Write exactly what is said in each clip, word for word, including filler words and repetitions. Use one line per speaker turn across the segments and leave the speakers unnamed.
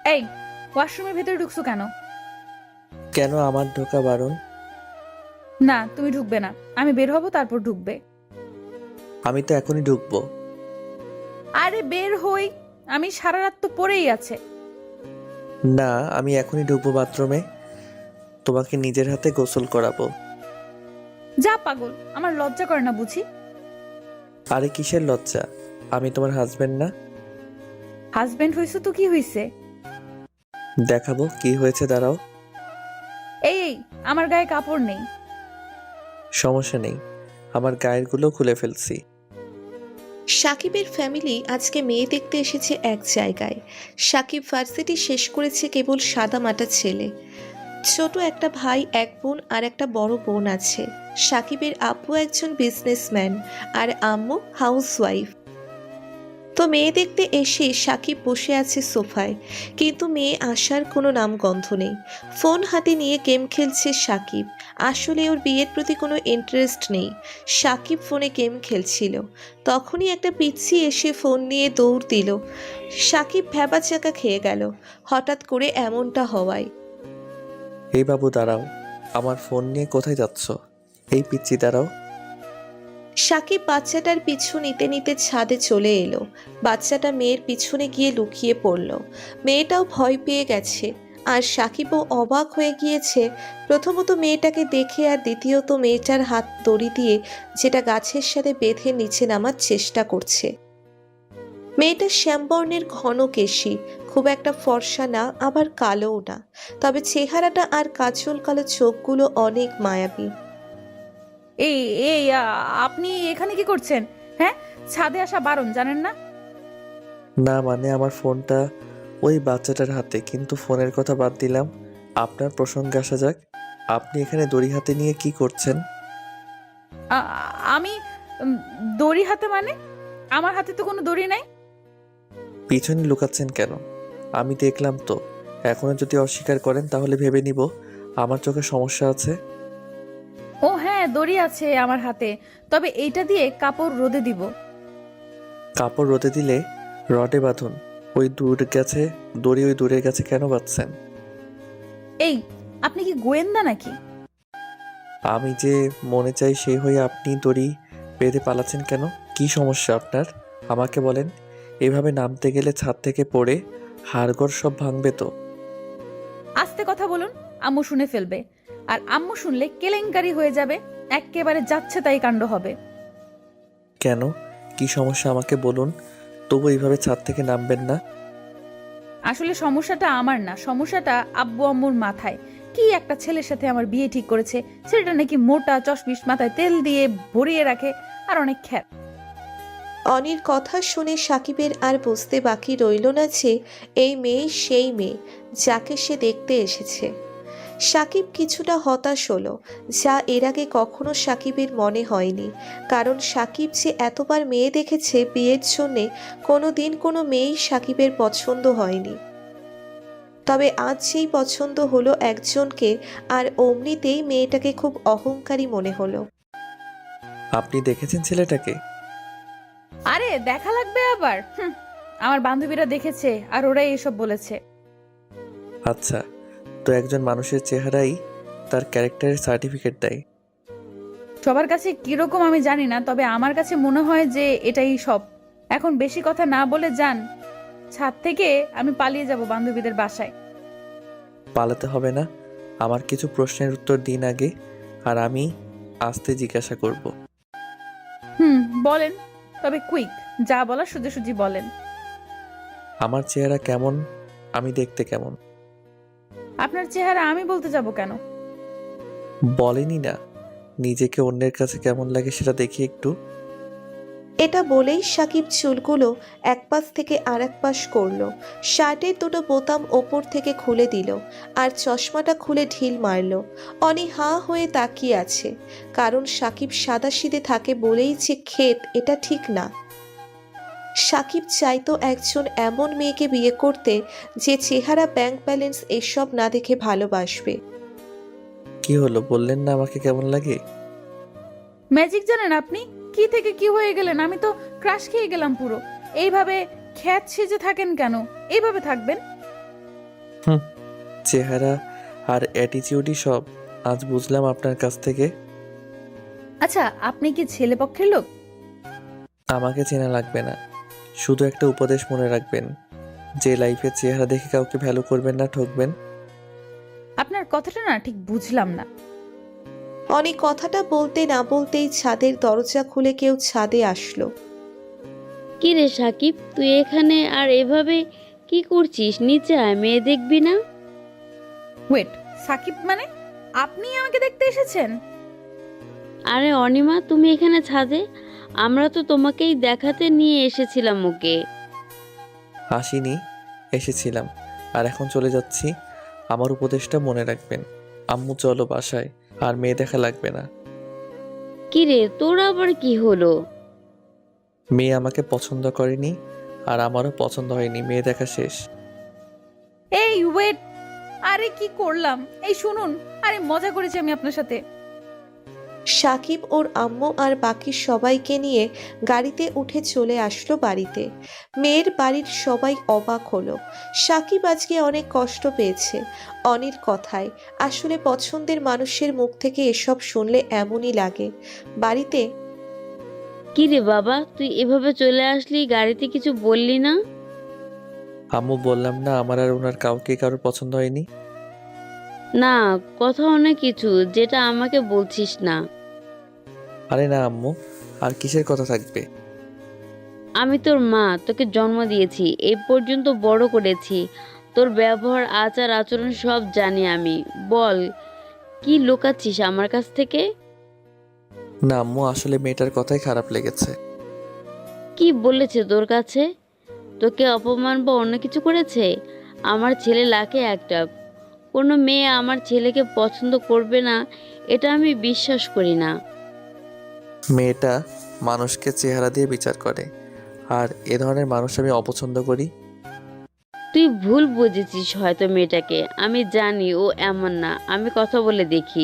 এই, ওয়াশরুমের ভেতরে ঢুকছো কেন?
কেন আমার ঢোকা বারণ?
না, তুমি ঢুকবে না। আমি বের হব, তারপর ঢুকবে।
আমি তো এখনই ঢুকবো।
আরে বের হই। আমি সারা রাত তো পড়েই আছে।
না, আমি এখনই ঢুকবো বাথরুমে। তোমাকে নিজের হাতে গোসল করাবো।
যা পাগল, আমার লজ্জা করে না বুঝি?
আরে কিসের লজ্জা? আমি তোমার হাজবেন্ড না?
হাজবেন্ড হইছো তো কি হইছে?
দেখাবো কি হয়েছে, দাঁড়াও।
এই এই, আমার গায়ে কাপড় নেই।
সমস্যা নেই, আমার গায়ের গুলো খুলে ফেলছি।
সাকিবের ফ্যামিলি আজকে মেয়ে দেখতে এসেছে এক জায়গায়। সাকিব ভার্সিটি শেষ করেছে কেবল সাদামাটা ছেলে। ছোট একটা ভাই, এক বোন আর একটা বড় বোন আছে। সাকিবের আব্বু একজন বিজনেসম্যান আর আম্মু হাউসওয়াইফ। তো মেয়ে দেখতে এসে সাকিব বসে আছে সোফায়, কিন্তু মেয়ে আসার কোনো নামগন্ধ নেই। ফোন হাতে নিয়ে গেম খেলছে সাকিব। আসলে ওর বিয়ের প্রতি কোনো ইন্টারেস্ট নেই। সাকিব ফোনে গেম খেলছিল, তখনই একটা পিচ্চি এসে ফোন নিয়ে দৌড় দিল। সাকিব ভ্যাবাচাকা খেয়ে গেল হঠাৎ করে এমনটা হওয়ায়।
এই বাবু দাঁড়াও, আমার ফোন নিয়ে কোথায় যাচ্ছ? এই পিচ্চি দাঁড়াও।
সাকিব বাচ্চাটার পিছু নিতে নিতে ছাদে চলে এলো। বাচ্চাটা মেয়ের পিছনে গিয়ে লুকিয়ে পড়ল। মেয়েটাও ভয় পেয়ে গেছে, আর সাকিবও অবাক হয়ে গিয়েছে। প্রথমত মেয়েটাকে দেখে, আর দ্বিতীয়ত মেয়েটার হাত দড়ি দিয়ে যেটা গাছের সাথে বেঁধে নিচে নামার চেষ্টা করছে। মেয়েটা শ্যামবর্ণের ঘন কেশী, খুব একটা ফর্সা না, আবার কালোও না, তবে চেহারাটা আর কাজল কালো চোখগুলো অনেক মায়াবী।
এই এই আ, আপনি এখানে কি করছেন? হ্যাঁ, ছাদে আসা বারণ, জানেন না?
না মানে আমার ফোনটা ওই বাচ্চাটার হাতে, কিন্তু ফোনের কথা বাদ দিলাম। আপনার প্রসঙ্গে আসা যাক। আপনি এখানে দড়ি হাতে নিয়ে কি করছেন?
আ, আমি উম, দড়ি হাতে মানে? আমার হাতে তো কোনো দড়ি নাই।
পিছনে লুকাচ্ছেন কেন? আমি দেখলাম তো। এখনো যদি অস্বীকার করেন তাহলে ভেবে নিব আমার চোখে সমস্যা আছে।
ও হ্যাঁ, দড়ি আছে আমার হাতে, তবে এইটা দিয়ে কাপড় রোদে দিব।
কাপড় রোদে দিলে রডে বাঁধুন। ওই দূর গেছে দড়ি, ওই দূরের কাছে কেন বাঁধছেন?
এই, আপনি কি গোয়েন্দা নাকি?
আমি যে মনে চাই সেই হয়ে আপনি দড়ি বেঁধে পালাচ্ছেন কেন? কি সমস্যা আপনার? আমাকে বলেন। এভাবে নামতে গেলে ছাদ থেকে পড়ে হাড়গোড় সব ভাঙবে তো।
আস্তে কথা বলুন, আম্মু শুনে ফেলবে। আর আম্মু শুনলে কেলেঙ্কারি হয়ে যাবে। এক্কেবারে যাচ্ছে তাই কাণ্ড হবে।
কেন, কি সমস্যা আমাকে বলুন। তবু এইভাবে ছাদ থেকে নামবেন না।
আসলে সমস্যাটা আমার না, সমস্যাটা আব্বু আম্মুর মাথায়। কি একটা ছেলের সাথে আমার বিয়ে ঠিক করেছে। ছেলেটা নাকি মোটা, চশমিশ, মাথায় তেল দিয়ে ভরিয়ে রাখে, আর অনেক খ্যাত।
অনির কথা শুনে সাকিবের আর বুঝতে বাকি রইল না যে এই মেয়ে সেই মেয়ে যাকে সে দেখতে এসেছে। সাকিব কিছুটা হতাশ হলো, যা এর আগে কখনো সাকিবের মনে হয়নি। কারণ সাকিব যে এতবার মেয়ে দেখেছে, বিয়ের জন্যে কোনো দিন কোনো মেয়েই সাকিবের পছন্দ হয়নি। তবে আজ যেই পছন্দ হলো একজনকে, আর অমনিতেই মেয়েটাকে খুব অহংকারী মনে হলো।
আপনি দেখেছেন ছেলেটাকে?
আরে দেখা লাগবে আবার? হুম, আমার বান্ধবীরা দেখেছে আর ওরাই এসব বলেছে।
আচ্ছা, তো একজন মানুষের চেহারাই তার ক্যারেক্টারের সার্টিফিকেট দেয়।
সবার কাছে কিরকম আমি জানি না, তবে আমার কাছে মনে হয় যে এটাই সব। এখন বেশি কথা না বলে যান ছাদ থেকে, আমি পালিয়ে যাব বান্ধবীদের বাসায়।
পালাতে হবে না, আমার কিছু প্রশ্নের উত্তর দিন আগে, আর আমি আস্তে জিজ্ঞাসা করব।
হুম, বলেন, তবে কুইক, যা বলার সোজাসুজি বলেন।
আমার চেহারা কেমন? আমি দেখতে কেমন?
আপনার চেহারা আমি বলতে যাব কেন?
বলেনি না, নিজেকে অন্যের কাছে কেমন লাগে সেটা দেখি একটু।
এটা বলেই সাকিব চুলগুলো এক পাশ থেকে আর এক পাশ করলো, শার্টের দুটো বোতাম ওপর থেকে খুলে দিল, আর চশমাটা খুলে ঢিল মারল। অনি হাঁ হয়ে তাকিয়ে আছে, কারণ সাকিব সাদাসিধে থাকে বলেই যে ক্ষেত, এটা ঠিক না। সাকিব চাইতো একজন এমন মেয়েকে বিয়ে করতে যে চেহারা, ব্যাংক ব্যালেন্স এসব না দেখে ভালোবাসবে।
কি হলো, বললেন না আমাকে কেমন লাগে?
ম্যাজিক জানেন আপনি? কি থেকে কি হয়ে গেলেন, আমি তো ক্রাশ খেয়ে গেলাম পুরো। এইভাবে খ্যাত সেজে থাকেন কেন? এইভাবে থাকবেন?
হুম, চেহারা আর অ্যাটিটিউডই সব। আজ বুঝলাম আপনার কাছ থেকে।
আচ্ছা, আপনি কি ছেলে পক্ষের লোক?
আমাকে চেনা লাগবে না, শুধু একটা উপদেশ মনে রাখবেন, যে লাইফের চেহারা দেখে কাউকে ভ্যালু করবেন না, ঠকবেন।
আপনার কথাটা না ঠিক বুঝলাম না।
অনেক কথাটা বলতে না বলতেই ছাদের দরজা খুলে কেউ ছাদে আসলো।
কি রে সাকিব, তুই এখানে আর এভাবে কি করছিস? নিচে আয়, মেয়ে দেখবি না?
ওয়েট, সাকিব মানে আপনি আমাকে দেখতে এসেছেন?
আরে অনিমা, তুমি এখানে ছাদে? আমরা তো তোমাকেই দেখাতে নিয়ে এসেছিলাম ওকে।
আসিনি, এসেছিলাম, আর এখন চলে যাচ্ছি। আমার উপদেশটা মনে রাখবেন। আম্মু চলো বাসায়, আর মেয়ে দেখা লাগবে না।
কি রে, তোর আবার কি হলো?
মেয়ে আমাকে পছন্দ করেনি, আর আমারও পছন্দ হয়নি, মেয়ে দেখা শেষ।
এই ওয়েট, আরে কি করলাম? এই শুনুন, আরে মজা করেছি আমি আপনার সাথে।
সাকিব ওর আম্মু আর বাকি সবাইকে নিয়ে গাড়িতে উঠে চলে আসলো বাড়িতে। মেয়ের বাড়ির সবাই অবাক হলো। সাকিব আজকে অনেক কষ্ট পেয়েছে অনির কথায়। আসলে পছন্দের মানুষের মুখ থেকে এসব শুনলে এমনই লাগে। বাড়িতে
কি রে বাবা, তুই এভাবে চলে আসলি, গাড়িতে কিছু বললি না?
আম্মু বললাম না আমার আর ওনার কাউকে কারোর পছন্দ হয়নি।
না, কথা অনেক কিছু যেটা আমাকে বলছিস না।
আরে না আম্মু, আর কিসের কথা থাকবে?
আমি তোর মা, তোকে জন্ম দিয়েছি, এই পর্যন্ত বড় করেছি, তোর ব্যবহার আচার আচরণ সব জানি আমি। বল, কি লুকাচ্ছিস আমার কাছ থেকে?
না আম্মু, আসলে মেয়েটার কথাই খারাপ লেগেছে।
কি বলেছে তোর কাছে? তোকে অপমান বা অন্য কিছু করেছে? আমার ছেলে লাখে একটা, কোনো মেয়ে আমার ছেলেকে পছন্দ করবে না এটা আমি বিশ্বাস করি না।
মেয়েটা মানুষকে চেহারা দিয়ে বিচার করে, আর এ ধরনের মানুষ আমি অপছন্দ করি।
তুই ভুল বুঝেছিস হয়তো মেয়েটাকে। আমি জানি ও এমন না, আমি কথা বলে দেখি।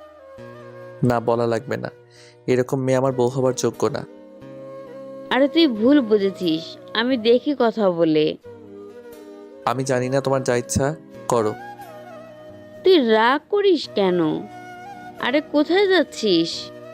না, বলা লাগবে না, এরকম মেয়ে আমার বউ হবার যোগ্য না।
আরে তুই ভুল বুঝেছিস, আমি দেখি কথা বলে।
আমি জানি না, তোমার যা ইচ্ছা করো।
তুই রাগ করিস কেন? আরে কোথায় যাচ্ছিস?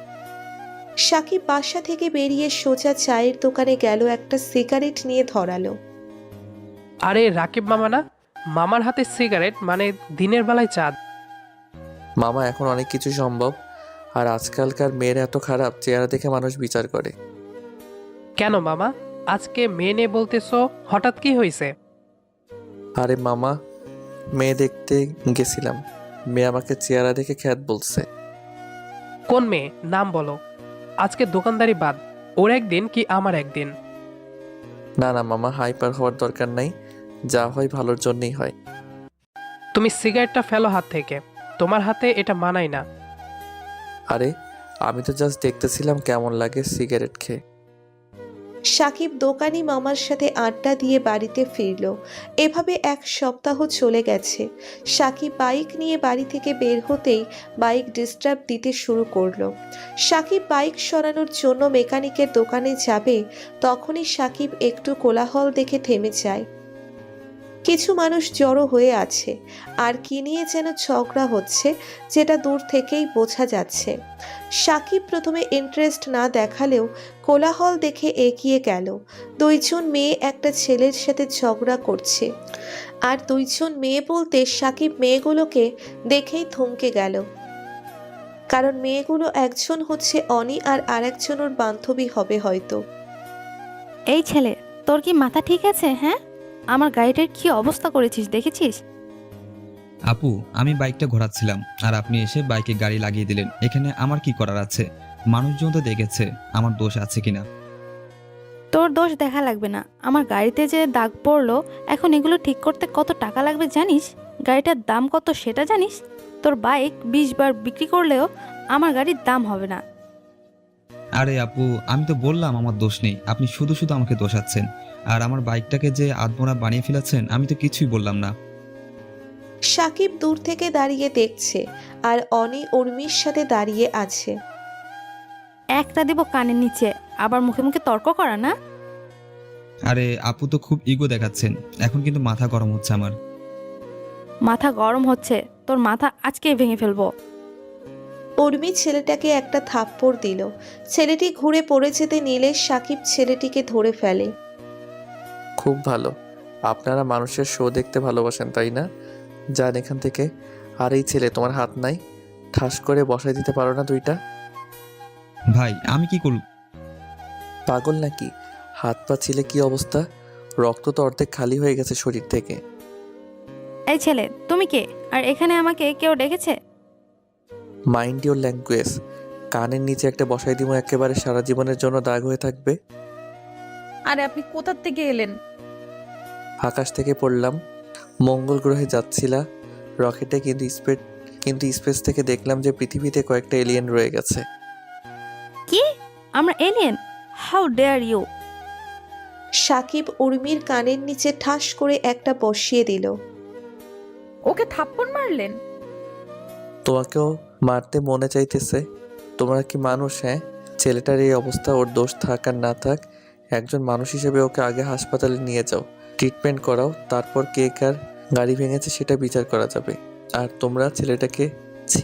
সাকিব বাসা থেকে বেরিয়ে সোজা চায়ের দোকানে গেল, একটা সিগারেট নিয়ে ধরালো।
আরে রাকিব মামা না? মামার হাতে সিগারেট মানে দিনের বেলায় চাঁদ।
মামা, এখন অনেক কিছু সম্ভব, আর আজকালকার মেয়েরা এত খারাপ, চেহারা দেখে মানুষ বিচার করে।
কেন মামা, আজকে মেয়ে নিয়ে বলতেছো, হঠাৎ কি হয়েছে?
আরে মামা, মেয়ে দেখতে গেছিলাম, মেয়ে আমাকে চেহারা দেখে খ্যাত বলছে।
কোন মেয়ে, নাম বলো। আজকে দোকানদারি বাদ, ওর একদিন কি আমার একদিন।
না না মামা, হাইপার হওয়ার দরকার নাই, যা হয় ভালোর জন্যই হয়।
তুমি সিগারেটটা ফেলো হাত থেকে, তোমার হাতে এটা মানায় না।
আরে আমি তো জাস্ট দেখতেছিলাম কেমন লাগে সিগারেট খেয়ে।
সাকিব দোকানি মামার সাথে আড্ডা দিয়ে বাড়িতে ফিরল। এভাবে এক সপ্তাহ চলে গেছে। সাকিব বাইক নিয়ে বাড়ি থেকে বের হতেই বাইক ডিস্টার্ব দিতে শুরু করলো। সাকিব বাইক সরানোর জন্য মেকানিকের দোকানে যাবে, তখনই সাকিব একটু কোলাহল দেখে থেমে যায়। কিছু মানুষ জড়ো হয়ে আছে, আর কি নিয়ে যেন ঝগড়া হচ্ছে, যেটা দূর থেকেই বোঝা যাচ্ছে। সাকিব প্রথমে ইন্টারেস্ট না দেখালেও কোলাহল দেখে এগিয়ে গেল। দুইজন মেয়ে একটা ছেলের সাথে ঝগড়া করছে, আর দুইজন মেয়ে বলতে সাকিব মেয়েগুলোকে দেখেই থমকে গেল, কারণ মেয়েগুলো একজন হচ্ছে অনি আর আরেকজন ওর বান্ধবী হবে হয়তো।
এই ছেলে, তোর কি মাথা ঠিক আছে? হ্যাঁ, আমার গাড়িটার কি অবস্থা করেছিস দেখেছিস?
আপু, আমি বাইকটা ঘোরাচ্ছিলাম আর আপনি এসে বাইকে গাড়ি লাগিয়ে দিলেন। এখানে আমার কি করার আছে? মানুষজন তো দেখেছে, আমার দোষ আছে কিনা।
তোর দোষ দেখা লাগবে না। আমার গাড়িতে যে দাগ পড়লো, এখন এগুলো ঠিক করতে কত টাকা লাগবে জানিস? গাড়িটার দাম কত সেটা জানিস? তোর বাইক বিশ বার বিক্রি করলেও আমার গাড়ির দাম হবে না।
আরে আপু, আমি তো বললাম আমার দোষ নেই, আপনি শুধু শুধু আমাকে দোষাচ্ছেন। আর আমার বাইকটাকে যে আধমোড়া বানিয়ে ফেলেছেন, আমি তো কিছুই বললাম না।
সাকিব দূর থেকে দাঁড়িয়ে দেখছে, আর অনি উর্মির সাথে দাঁড়িয়ে আছে।
একটা দিব কানের নিচে, আবার মুখে মুখে তর্ক করা না।
আরে আপু তো খুব ইগো দেখাচ্ছেন, এখন কিন্তু মাথা গরম হচ্ছে আমার।
মাথা গরম হচ্ছে, তোর মাথা আজকেই ভেঙে ফেলবো।
উর্মি ছেলেটাকে একটা থাপ্পড় দিল। ছেলেটি ঘুরে পড়ে যেতে নিলে সাকিব ছেলেটিকে ধরে ফেলে।
খুব ভালো, আপনারা মানুষের শো দেখতে ভালোবাসেন তাই না? যান এখান থেকে। আর এই ছেলে, তোমার হাত নাই? ঠাস করে বসাই দিতে পারো না দুইটা?
ভাই আমি কি করব?
পাগল নাকি? হাত পা ছিলে কি অবস্থা? রক্ত তো অর্ধেক খালি হয়ে গেছে শরীর থেকে।
এই ছেলে, তুমি কে? আর এখানে আমাকে কেউ ডেকেছে?
Mind your language. কানের নিচে একটা বসাই দিব, একেবারে সারা জীবনের জন্য দাগ হয়ে থাকবে।
আরে আপনি কোথার থেকে এলেন?
আকাশ থেকে পড়লাম, মঙ্গল গ্রহে যাচ্ছিলা রকেটে, কিন্তু স্পেস কিন্তু স্পেস থেকে দেখলাম যে পৃথিবীতে কয়েকটা এলিয়েন রয়ে গেছে।
কি? আমরা alien? How dare you!
Sakib উর্মির কানের নিচে ঠাস করে একটা বসিয়ে দিল।
ওকে থাপ্পড় মারলেন?
তোমাকেও মারতে মনে চাইতেছে? তোমরা কি মানুষ? হ্যাঁ, ছেলেটার এই অবস্থা, ওর দোষ থাক আর না থাক, একজন মানুষ হিসেবে ওকে আগে হাসপাতালে নিয়ে যাও, ট্রিটমেন্ট করাও, তারপর কে কার গাড়ি ভেঙেছে সেটা বিচার করা যাবে। আর তোমরা ছেলেটাকে ছি।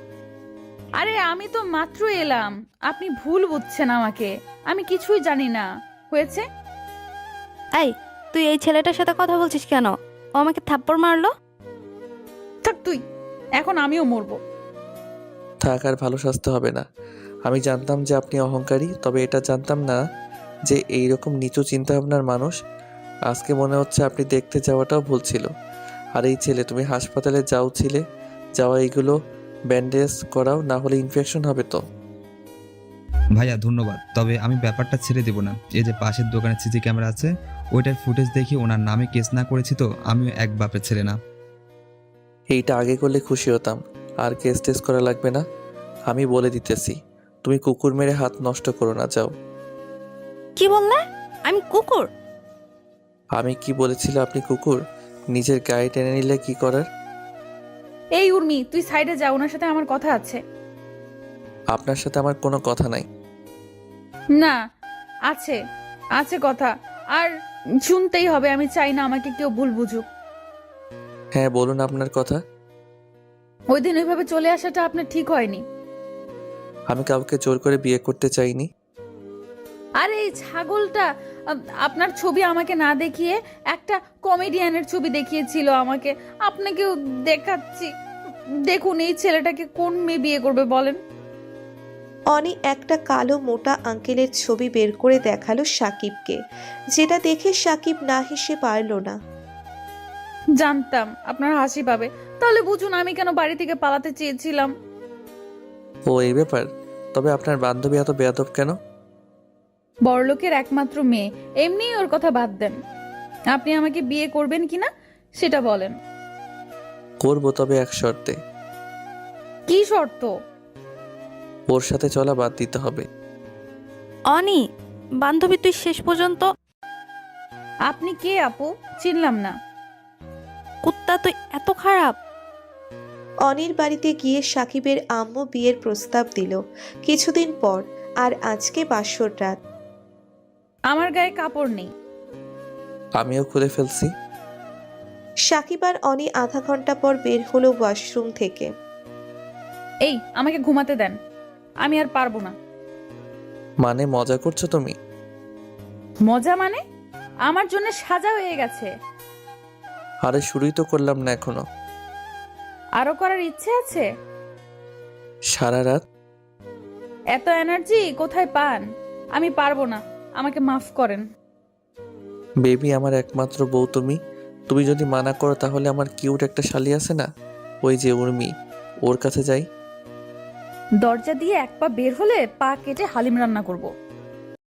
আরে আমি তো মাত্র এলাম, আপনি ভুল বুঝছেন আমাকে, আমি কিছুই জানি না। হয়েছে?
এই, তুই এই ছেলেটার সাথে কথা বলছিস কেন? ও আমাকে থাপ্পড় মারলো।
থাক তুই, এখন আমিও মরবো।
থাক, আর ভালো স্বাস্থ্য হবে না। আমি জানতাম যে আপনি অহংকারী, তবে এটা জানতাম না যে এইরকম নিচু চিন্তাভাবনার মানুষ। আজকে মনে হচ্ছে আপনি দেখতে যাওয়াটাও ভুল ছিল। আর এই ছেলে, তুমি হাসপাতালে যাও ছিলে, যাওয়া এইগুলো ব্যান্ডেজ করাও, না হলে ইনফেকশন হবে তো।
ভাইয়া ধন্যবাদ, তবে আমি ব্যাপারটা ছেড়ে দেবো না। এই যে পাশের দোকানে সিসি ক্যামেরা আছে, ওইটার ফুটেজ দেখে ওনার নামে কেস না করেছি তো আমিও এক বাপের ছেলে না।
এইটা আগে করলে খুশি হতাম। আর কেস টেস করা লাগবে না, আমি বলে দিতেছি। তুমি কুকুর মেরে হাত নষ্ট করো না, যাও।
কি বললে? আমি কুকুর?
আমি কি বলেছিল আপনি কুকুর? নিজের গায়ে টেনে নিলে কি করার?
এই উর্মি, তুই সাইডে যা, ওনার সাথে আমার কথা আছে।
আপনার সাথে আমার কোনো কথা নাই।
না, আছে, আছে কথা, আর শুনতেই হবে। আমি চাই না আমাকে কেউ ভুল বুঝুক।
হ্যাঁ বলুন আপনার কথা।
ওই দিন ওইভাবে চলে আসাটা আপনার ঠিক হয়নি।
আমি কাউকে জোর করে বিয়ে করতে চাইনি।
আরে এই ছাগলটা আ- আপনার ছবি আমাকে না দেখিয়ে একটা কমেডিয়ানের ছবি দেখিয়েছিল আমাকে। আপনাকেও দেখাচ্ছি, দেখুন এই ছেলেটাকে কোন মেয়ে বিয়ে করবে বলেন?
অনি একটা কালো মোটা আঙ্কেলের ছবি বের করে দেখালো সাকিবকে, যেটা দেখে সাকিব না হেসে পারল না।
জানতাম আপনার হাসি পাবে, তাহলে বুঝুন আমি কেন বাড়ি থেকে পালাতে চেয়েছিলাম।
ও এই ব্যাপার? তবে আপনার বান্ধবী এত বেয়াদব কেন?
বড়লোকের একমাত্র মেয়ে, এমনিই ওর কথা বাদ দেন। আপনি আমাকে বিয়ে করবেন কিনা সেটা বলেন।
করবো, তবে এক শর্তে।
কি শর্ত?
ওর সাথে চলা বাদ দিতে হবে।
অনি, বান্ধবী তুই শেষ পর্যন্ত।
আপনি কে আপু? চিনলাম না।
কুত্তা তুই এত খারাপ?
অনির বাড়িতে গিয়ে সাকিবের আম্মু বিয়ের প্রস্তাব দিল কিছুদিন পর, আর আজকে বাসর রাত।
আমার গায়ে কাপড় নেই।
আমিও খুলে ফেলছি।
সাকিব আর অনি আধা ঘন্টা পর বের হলো ওয়াশরুম থেকে।
এই আমাকে ঘুমাতে দেন, আমি আর পারবো না।
মানে মজা করছো তুমি?
মজা মানে? আমার জন্য সাজা হয়ে গেছে।
আরে শুরুই তো করলাম না এখনো।
আরো করার ইচ্ছে আছে?
সারা রাত?
এত এনার্জি কোথায় পান? আমি পারবো না, আমাকে মাফ করেন।
বেবি, আমার একমাত্র বউ তুমি। তুমি যদি মানা করো তাহলে আমার কিউট একটা শালি আছে না, ওই যে উর্মি, ওর কাছে যাই।
দরজা দিয়ে এক পা বের হলে পা কেটে হালিম রান্না করব।